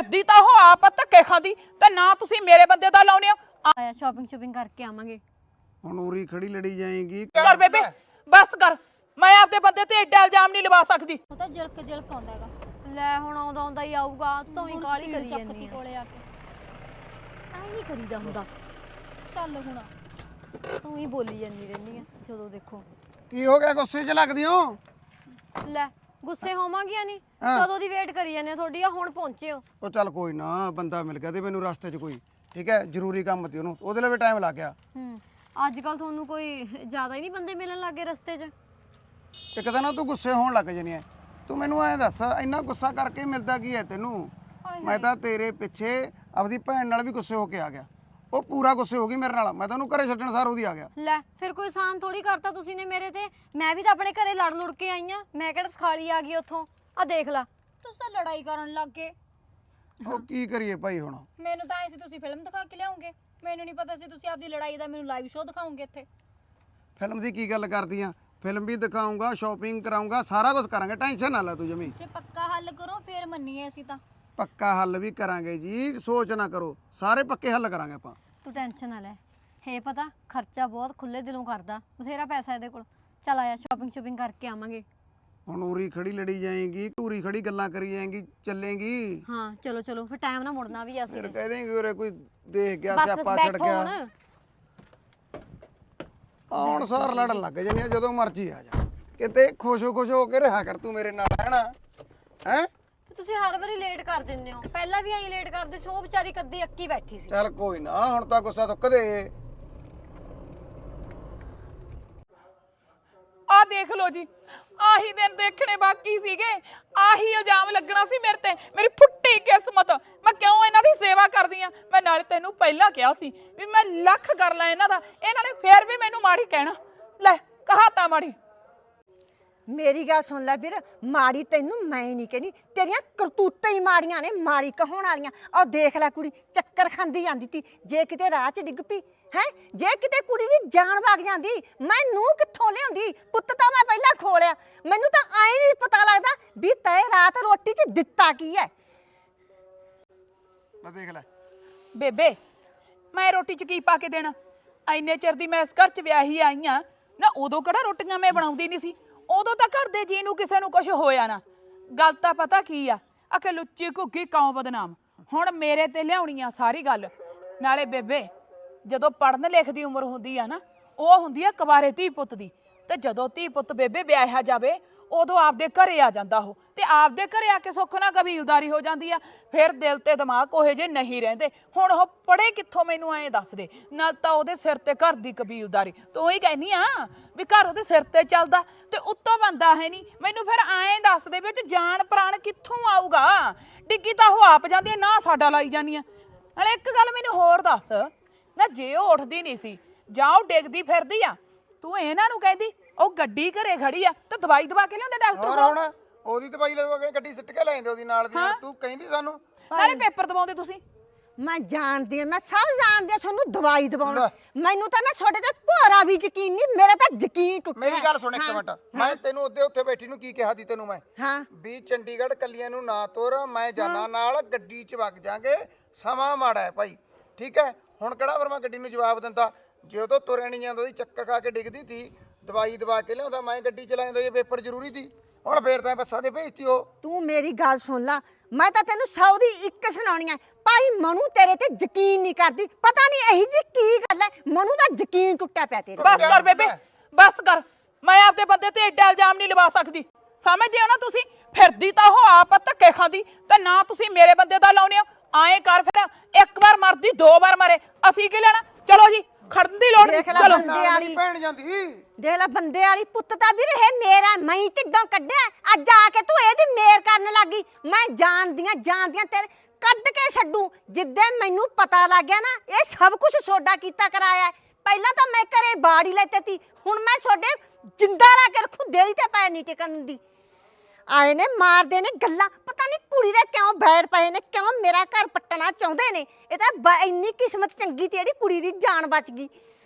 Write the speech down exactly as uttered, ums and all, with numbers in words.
ਫਿਰਦੀ ਤਾਂ ਉਹ ਆਪ ਧੱਕੇ ਖਾਂਦੀ ਤੇ ਨਾ ਤੁਸੀਂ ਮੇਰੇ ਬੰਦੇ ਦਾ ਲਾਉਨੇ ਹੋ। ਆਇਆ ਸ਼ਾਪਿੰਗ ਸ਼ਾਪਿੰਗ ਕਰਕੇ ਆਵਾਂਗੇ। ਹੁਣ ਉਰੀ ਖੜੀ ਲੜੀ ਜਾਏਗੀ। ਕਰ ਬੇਬੇ ਬਸ ਕਰ, ਮੈਂ ਆਪਦੇ ਬੰਦੇ ਤੇ ਐਡਾ ਇਲਜ਼ਾਮ ਨਹੀਂ ਲਵਾ ਸਕਦੀ। ਉਹ ਤਾਂ ਜਲਕ ਜਲਕ ਆਉਂਦਾ ਹੈਗਾ। ਲੈ ਹੁਣ ਆਉਂਦਾ ਆਉਂਦਾ ਹੀ ਆਊਗਾ, ਤੂੰ ਤਾਂ ਹੀ ਕਾਲੀ ਕਰੀ ਚੱਕਤੀ ਜਾਂਦੀ ਆ। ਕੋਲੇ ਆ ਕੇ ਐ ਨਹੀਂ ਕਰੀਦਾ ਹੁੰਦਾ, ਚੱਲ ਹੁਣ ਤੂੰ ਹੀ ਬੋਲੀ ਜਾਂਦੀ ਰਹਿੰਦੀ ਆ ਜਦੋਂ ਦੇਖੋ। ਕੀ ਹੋ ਗਿਆ, ਗੁੱਸੇ 'ਚ ਲੱਗਦੀ ਹੋ? ਲੈ ਗੁੱਸੇ ਹੋਵਾਂਗੀਆਂ ਨਹੀਂ, ਹਾਂ। ਕਦੋਂ ਦੀ ਵੇਟ ਕਰੀ ਜਾਂਦੇ ਤੁਹਾਡੀ, ਆ ਹੁਣ ਪਹੁੰਚੇ ਹੋ। ਉਹ ਚੱਲ ਕੋਈ ਨਾ, ਬੰਦਾ ਮਿਲ ਗਿਆ ਤੇ ਮੈਨੂੰ ਰਸਤੇ 'ਚ ਕੋਈ, ਠੀਕ ਹੈ, ਜ਼ਰੂਰੀ ਕੰਮ ਸੀ ਉਹਨੂੰ, ਉਹਦੇ ਲਈ ਵੀ ਟਾਈਮ ਲੱਗ ਗਿਆ। ਹੂੰ ਅੱਜ ਕੱਲ ਤੁਹਾਨੂੰ ਕੋਈ ਜ਼ਿਆਦਾ ਹੀ ਨਹੀਂ ਬੰਦੇ ਮਿਲਣ ਲੱਗੇ ਰਸਤੇ 'ਚ। ਇੱਕ ਤਾਂ ਨਾ ਤੂੰ ਗੁੱਸੇ ਹੋਣ ਲੱਗ ਜਣੀ ਐ। ਤੂੰ ਮੈਨੂੰ ਐਂ ਦੱਸ, ਇੰਨਾ ਗੁੱਸਾ ਕਰਕੇ ਮਿਲਦਾ ਕੀ ਹੈ ਤੈਨੂੰ? ਮੈਂ ਤਾਂ ਤੇਰੇ ਪਿੱਛੇ ਆਪਦੀ ਭੈਣ ਨਾਲ ਵੀ ਗੁੱਸੇ ਹੋ ਕੇ ਆ ਗਿਆ, ਉਹ ਪੂਰਾ ਗੁੱਸੇ ਹੋ ਗਈ ਮੇਰੇ ਨਾਲ, ਮੈਂ ਤਾਂ ਉਹਨੂੰ ਘਰੇ ਛੱਡਣ ਸਾਰ ਉਹਦੀ ਆ ਗਿਆ। ਲੈ ਫਿਰ ਕੋਈ ਆਸਾਨ ਥੋੜੀ ਕਰਤਾ ਤੁਸੀਂ ਨੇ ਮੇਰੇ ਤੇ, ਮੈਂ ਵੀ ਤਾਂ ਆਪਣੇ ਘਰੇ ਲੜ ਲੁੜ ਕੇ ਆਈ ਆ, ਮੈਂ ਕਿਹੜਾ ਸਖਾਲੀ ਆ ਗਈ ਉੱਥੋਂ। ਆ ਦੇਖ ਲਾ ਤੁਸੀਂ ਤਾਂ ਲੜਾਈ ਕਰਨ ਲੱਗ ਗਏ। ਉਹ ਕੀ ਕਰੀਏ ਭਾਈ ਹੁਣ? ਮੈਨੂੰ ਤਾਂ ਐ ਸੀ ਤੁਸੀਂ ਫਿਲਮ ਦਿਖਾ ਕੇ ਲਿਆਉਂਗੇ, ਮੈਨੂੰ ਨਹੀਂ ਪਤਾ ਸੀ ਤੁਸੀਂ ਆਪਦੀ ਲੜਾਈ ਦਾ ਮੈਨੂੰ ਲਾਈਵ ਸ਼ੋਅ ਦਿਖਾਉਂਗੇ ਇੱਥੇ। ਫਿਲਮ ਦੀ ਕੀ ਗੱਲ ਕਰਦੀ ਆ? ਫਿਲਮ ਵੀ ਦਿਖਾਉਂਗਾ, ਸ਼ਾਪਿੰਗ ਕਰਾਉਂਗਾ, ਸਾਰਾ ਕੁਝ ਕਰਾਂਗੇ, ਟੈਨਸ਼ਨ ਨਾ ਲੈ ਤੂੰ ਜਮੀ। ਜੇ ਪੱਕਾ ਹੱਲ ਕਰੋ ਫੇਰ ਮੰਨੀਏ ਅਸੀਂ ਤਾਂ। ਪੱਕਾ ਹੱਲ ਵੀ ਕਰਾਂਗੇ ਜੀ, ਸੋਚ ਨਾ ਕਰੋ, ਸਾਰੇ ਪੱਕੇ ਹੱਲ ਕਰਾਂਗੇ ਆਪਾਂ। ਤੂੰ ਟੈਨਸ਼ਨ ਨਾ ਲੈ, ਹੈ ਪਤਾ ਖਰਚਾ ਬਹੁਤ ਖੁੱਲੇ ਦਿਲੋਂ ਕਰਦਾ, ਬਥੇਰਾ ਪੈਸਾ ਇਹਦੇ ਕੋਲ। ਚੱਲ ਆਇਆ ਸ਼ਾਪਿੰਗ ਸ਼ਾਪਿੰਗ ਕਰਕੇ ਆਵਾਂਗੇ। ਹੁਣ ਉਰੀ ਖੜੀ ਲੜੀ ਜਾਏਗੀ, ਧੂਰੀ ਖੜੀ ਗੱਲਾਂ ਕਰੀ ਜਾਏਗੀ, ਚੱਲੇਗੀ। ਹਾਂ ਚਲੋ ਚਲੋ ਫਿਰ ਟਾਈਮ ਨਾਲ ਮੁੜਨਾ ਵੀ ਅਸੀਂ ਫਿਰ ਨੇ। ਕਹਿ ਦੇਂਗੇ ਉਰੇ ਕੋਈ ਦੇਖ ਗਿਆ, ਬਸ ਬਸ ਸਿਆਪਾ ਛੱਡ ਬੈਠੋ ਗਿਆ। ਹੁਣ। ਆਉਣ ਸਾਰ ਲੜਨ ਲੱਗ ਜਾਂਦੀ ਆ, ਜਦੋਂ ਮਰਜ਼ੀ ਆ ਜਾ, ਕਿਤੇ ਖੁਸ਼ੋ ਖੁਸ਼ ਹੋ ਕੇ ਰਿਹਾ ਕਰ ਤੂੰ ਮੇਰੇ ਨਾਲ, ਹੈਨਾ? ਹੈ ਤੁਸੀਂ ਹਰ ਵਾਰੀ ਲੇਟ ਕਰ ਦਿੰਦੇ ਹੋ, ਪਹਿਲਾਂ ਵੀ ਐਂ ਲੇਟ ਕਰਦੇ ਸੀ, ਉਹ ਵਿਚਾਰੀ ਕੱਦੀ ਅੱਕੀ ਬੈਠੀ ਸੀ। ਚੱਲ ਕੋਈ ਨਾ, ਹੁਣ ਤਾਂ ਗੁੱਸਾ ਥੁੱਕ ਦੇ। ਆ ਦੇਖ ਲੋ ਜੀ, ਆਹੀ ਦਿਨ ਦੇਖਣੇ ਬਾਕੀ ਸੀਗੇ, ਆਹੀ ਇਲਜ਼ਾਮ ਲੱਗਣਾ ਸੀ ਮੇਰੇ ਤੇ। ਮੇਰੀ ਫੁੱਟੀ ਕਿਸਮਤ, ਮੈਂ ਕਿਉਂ ਇਹਨਾਂ ਦੀ ਸੇਵਾ ਕਰਦੀ ਆ? ਮੈਂ ਨਾਲੇ ਤੈਨੂੰ ਪਹਿਲਾਂ ਕਿਹਾ ਸੀ ਵੀ ਮੈਂ ਲੱਖ ਕਰ ਲਾਂ ਇਹਨਾਂ ਦਾ, ਇਹਨਾਂ ਨੇ ਫੇਰ ਵੀ ਮੈਨੂੰ ਮਾੜੀ ਕਹਿਣਾ। ਲੈ ਕਹਾਤਾ ਮਾੜੀ। ਮੇਰੀ ਗੱਲ ਸੁਣ ਲੈ ਵੀਰ, ਮਾੜੀ ਤੈਨੂੰ ਮੈਂ ਨਹੀਂ ਕਹਿੰਦੀ, ਤੇਰੀਆਂ ਕਰਤੂਤਾਂ ਹੀ ਮਾੜੀਆਂ ਨੇ, ਮਾੜੀ ਕਹਾਉਣ ਵਾਲੀਆਂ। ਆਹ ਦੇਖ ਲੈ ਕੁੜੀ ਚੱਕਰ ਖਾਂਦੀ ਜਾਂਦੀ ਤੀ, ਜੇ ਕਿਤੇ ਰਾਹ 'ਚ ਡਿੱਗ ਪਈ ਹੈ, ਜੇ ਕਿਤੇ ਕੁੜੀ ਦੀ ਜਾਨ ਵਗ ਜਾਂਦੀ, ਮੈਂ ਨੂੰ ਕਿੱਥੋਂ ਲਿਆਉਂਦੀ? ਪੁੱਤ ਤਾਂ ਮੈਂ ਪਹਿਲਾਂ ਖੋਲਿਆ, ਮੈਨੂੰ ਤਾਂ ਐਂ ਨਹੀਂ ਪਤਾ ਲੱਗਦਾ ਵੀ ਤੈ ਰਾਤ ਰੋਟੀ 'ਚ ਦਿੱਤਾ ਕੀ ਹੈ। ਮੈਂ ਦੇਖ ਲੈ ਬੇਬੇ, ਮੈਂ ਰੋਟੀ 'ਚ ਕੀ ਪਾ ਕੇ ਦੇਣਾ? ਐਨੇ ਚਿਰ ਦੀ ਮੈਂ ਇਸ ਘਰ 'ਚ ਵਿਆਹੀ ਆਈ ਆ ਨਾ, ਉਦੋਂ ਕਿਹੜਾ ਰੋਟੀਆਂ ਮੈਂ ਬਣਾਉਂਦੀ ਨਹੀਂ ਸੀ? ਉਦੋਂ ਤਾਂ ਘਰ ਦੇ ਜੀ ਨੂੰ ਕਿਸੇ ਨੂੰ ਕੁਝ ਹੋਇਆ ਨਾ। ਗੱਲ ਤਾਂ ਪਤਾ ਕੀ ਆ, ਆਖੇ ਲੁੱਚੀ ਘੁੱਗੀ ਕੌਂ ਬਦਨਾਮ। ਹੁਣ ਮੇਰੇ ਤੇ ਲਿਆਉਣੀ ਆ ਸਾਰੀ ਗੱਲ। ਨਾਲੇ ਬੇਬੇ, ਜਦੋਂ ਪੜ੍ਹਨ ਲਿਖ ਦੀ ਉਮਰ ਹੁੰਦੀ ਆ ਨਾ, ਉਹ ਹੁੰਦੀ ਆ ਕੁਵਾਰੇ ਧੀ ਪੁੱਤ ਦੀ, ਤੇ ਜਦੋਂ ਧੀ ਪੁੱਤ ਬੇਬੇ ਵਿਆਹਿਆ ਜਾਵੇ ਉਦੋਂ ਆਪਦੇ ਘਰੇ ਆ ਜਾਂਦਾ ਉਹ, ਤੇ ਆਪਦੇ ਘਰੇ ਆ ਕੇ ਸੁੱਖ ਨਾਲ ਕਬੀਲਦਾਰੀ ਹੋ ਜਾਂਦੀ ਆ। ਫਿਰ ਦਿਲ ਤੇ ਦਿਮਾਗ ਉਹੇ ਜੇ ਨਹੀਂ ਰਹਿੰਦੇ। ਹੁਣ ਉਹ ਪੜ੍ਹੇ ਕਿੱਥੋਂ ਮੈਨੂੰ ਐਂ ਦੱਸ ਦੇ? ਨਾਲ ਤਾਂ ਉਹਦੇ ਸਿਰ ਤੇ ਘਰ ਦੀ ਕਬੀਲਦਾਰੀ, ਤੂੰ ਹੀ ਕਹਿੰਦੀ ਆ ਵੀ ਘਰ ਉਹਦੇ ਸਿਰ ਤੇ ਚੱਲਦਾ, ਤੇ ਉੱਤੋਂ ਬੰਦਾ ਹੈ ਨਹੀਂ। ਮੈਨੂੰ ਫਿਰ ਐਂ ਦੱਸ ਦੇ ਵਿੱਚ ਜਾਨ ਪ੍ਰਾਣ ਕਿੱਥੋਂ ਆਊਗਾ? ਡਿੱਗੀ ਤਾਂ ਉਹ ਆਪ ਜਾਂਦੀ ਆ, ਨਾ ਸਾਡਾ ਲਾਈ ਜਾਂਦੀ ਆ। ਨਾਲੇ ਇੱਕ ਗੱਲ ਮੈਨੂੰ ਹੋਰ ਦੱਸ ਨਾ, ਜੇ ਉਹ ਉੱਠਦੀ ਨਹੀਂ ਸੀ ਜਾਂ ਉਹ ਡਿੱਗਦੀ ਫਿਰਦੀ ਆ, ਤੂੰ ਇਹਨਾਂ ਨੂੰ ਕਹਿੰਦੀ ਉਹ ਗੱਡੀ ਘਰੇ ਖੜੀ ਆ ਤੇ ਦਵਾਈ ਦਵਾ ਕੇ ਲਿਆਉਂਦੇ ਡਾਕਟਰ ਹੋਰ ਕੋਲ? ਹੁਣ ਉਹਦੀ ਦਵਾਈ ਲਵਾਂਗੇ, ਗੱਡੀ ਸਿੱਟ ਕੇ ਲੈ ਜਾਂਦੇ ਉਹਦੀ ਨਾਲ ਦੀ। ਤੂੰ ਕਹਿੰਦੀ ਸਾਨੂੰ ਨਾਲੇ ਪੇਪਰ ਦਵਾਉਂਦੇ ਤੁਸੀਂ। ਮੈਂ ਜਾਣਦੀ ਹਾਂ, ਮੈਂ ਸਭ ਜਾਣਦੀ ਹਾਂ ਤੁਹਾਨੂੰ ਦਵਾਈ ਦਵਾਉਣਾ। ਮੈਨੂੰ ਤਾਂ ਨਾ ਤੁਹਾਡੇ ਤੇ ਭੋਰਾ ਵੀ ਯਕੀਨ ਨਹੀਂ, ਮੇਰਾ ਤਾਂ ਯਕੀਨ ਟੁੱਟਿਆ। ਮੇਰੀ ਗੱਲ ਸੁਣ ਇੱਕ ਮਿੰਟ, ਮੈਂ ਤੈਨੂੰ ਉਹਦੇ ਉੱਥੇ ਬੈਠੀ ਨੂੰ ਕੀ ਕਿਹਾ ਸੀ ਤੈਨੂੰ? ਮੈਂ ਹਾਂ ਵੀ ਚੰਡੀਗੜ੍ਹ ਕੱਲੀਆਂ ਨੂੰ ਨਾ ਤੁਰ, ਮੈਂ ਜਾਣਾ ਨਾਲ, ਗੱਡੀ 'ਚ ਵਗ ਜਾਾਂਗੇ, ਸਮਾਂ ਮਾੜਾ ਹੈ ਭਾਈ, ਠੀਕ ਹੈ? ਹੁਣ ਕਿਹੜਾ ਫਿਰ ਮੈਂ ਗੱਡੀ ਨੂੰ ਜਵਾਬ ਦਿੰਦਾ? ਜੇ ਉਹ ਤੋਂ ਤੁਰਿਆ ਨਹੀਂ ਜਾਂਦਾ ਸੀ, ਚੱਕਰ ਖਾ ਕੇ ਡਿੱਗਦੀ ਸੀ, ਦਵਾਈ ਦਵਾ ਕੇ ਲਿਆਉਂਦਾ, ਮੈਂ ਗੱਡੀ ਚਲਾ ਜਾਂਦਾ, ਜੇ ਪੇਪਰ ਜ਼ਰੂਰੀ ਸੀ। ਹੁਣ ਫੇਰ ਤਾਂ ਬੱਸਾਂ ਦੇ ਭੇਜਤੀ ਉਹ। ਤੂੰ ਮੇਰੀ ਗੱਲ ਸੁਣ ਲਾ, ਮੈਂ ਤਾਂ ਤੈਨੂੰ ਸੌ ਦੀ ਇੱਕ ਸੁਣਾਉਣੀ ਹੈ। ਭਾਈ ਮਨੂ ਤੇਰੇ ਤੇ ਯਕੀਨ ਨਹੀਂ ਕਰਦੀ, ਪਤਾ ਨਹੀਂ ਇਹੀ ਜੀ ਕੀ ਗੱਲ ਹੈ, ਮਨੂ ਦਾ ਯਕੀਨ ਟੁੱਟਿਆ ਪਿਆ ਤੇਰੇ। ਬਸ ਕਰ ਬੇਬੇ, ਬਸ ਕਰ। ਮੈਂ ਆਪਦੇ ਬੰਦੇ ਤੇ ਐਡਾ ਇਲਜ਼ਾਮ ਨਹੀਂ ਲਵਾ ਸਕਦੀ, ਸਮਝਦੇ ਹੋ ਨਾ ਤੁਸੀਂ? ਫਿਰਦੀ ਤਾਂ ਉਹ ਆਪ ਧੱਕੇ ਖਾਂਦੀ, ਤੇ ਨਾ ਤੁਸੀਂ ਮੇਰੇ ਬੰਦੇ ਦਾ ਲਾਉਨੇ ਹੋ। ਆਏ ਕਰ ਫਿਰ, ਇੱਕ ਵਾਰ ਮਰਦੀ ਦੋ ਵਾਰ ਮਰੇ, ਅਸੀਂ ਕੀ ਲੈਣਾ? ਚਲੋ ਜੀ, ਖੜਨ ਦੀ ਲੋੜ ਨਹੀਂ। ਚਲੋ ਬੰਦੇ ਵਾਲੀ ਭੈਣ ਜਾਂਦੀ ਦੇਖ ਲੈ, ਬੰਦੇ ਵਾਲੀ ਪੁੱਤ ਤਾਂ ਵੀਰ ਇਹ ਮੇਰਾ, ਮੈਂ ਹੀ ਢਿੱਡੋਂ ਕੱਢਿਆ, ਅੱਜ ਆ ਕੇ ਤੂੰ ਇਹਦੀ ਮੇਰ ਕਰਨ ਲੱਗੀ। ਮੈਂ ਜਾਣਦੀਆਂ ਜਾਣਦੀਆਂ ਤੇਰੇ ਕੱਢ ਕੇ ਛੱਡੂ, ਜਿੱਦਾਂ ਮੈਨੂੰ ਪਤਾ ਲੱਗ ਗਿਆ ਨਾ ਇਹ ਸਭ ਕੁਝ ਸੋਡਾ ਕੀਤਾ ਕਰਾਇਆ। ਪਹਿਲਾਂ ਤਾਂ ਮੈਂ ਘਰੇ ਬਾੜੀ ਲੈਤੇ ਤੀ, ਹੁਣ ਮੈਂ ਸੋਡੇ ਜਿੰਦਾ ਲਾ ਕੇ ਰੱਖੂ, ਦੇਲੀ ਤੇ ਪੈ ਨਹੀਂ ਟਿਕਣ ਦੀ। ਆਏ ਨੇ ਮਾਰਦੇ ਨੇ ਗੱਲਾਂ, ਪਤਾ ਨਹੀਂ ਕੁੜੀ ਦੇ ਕਿਉਂ ਬੈਰ ਪਏ ਨੇ, ਕਿਉਂ ਮੇਰਾ ਘਰ ਪੱਟਣਾ ਚਾਹੁੰਦੇ ਨੇ। ਇਹ ਤਾਂ ਇੰਨੀ ਕਿਸਮਤ ਚੰਗੀ ਤੇ ਜਿਹੜੀ ਕੁੜੀ ਦੀ ਜਾਨ ਬਚ ਗਈ।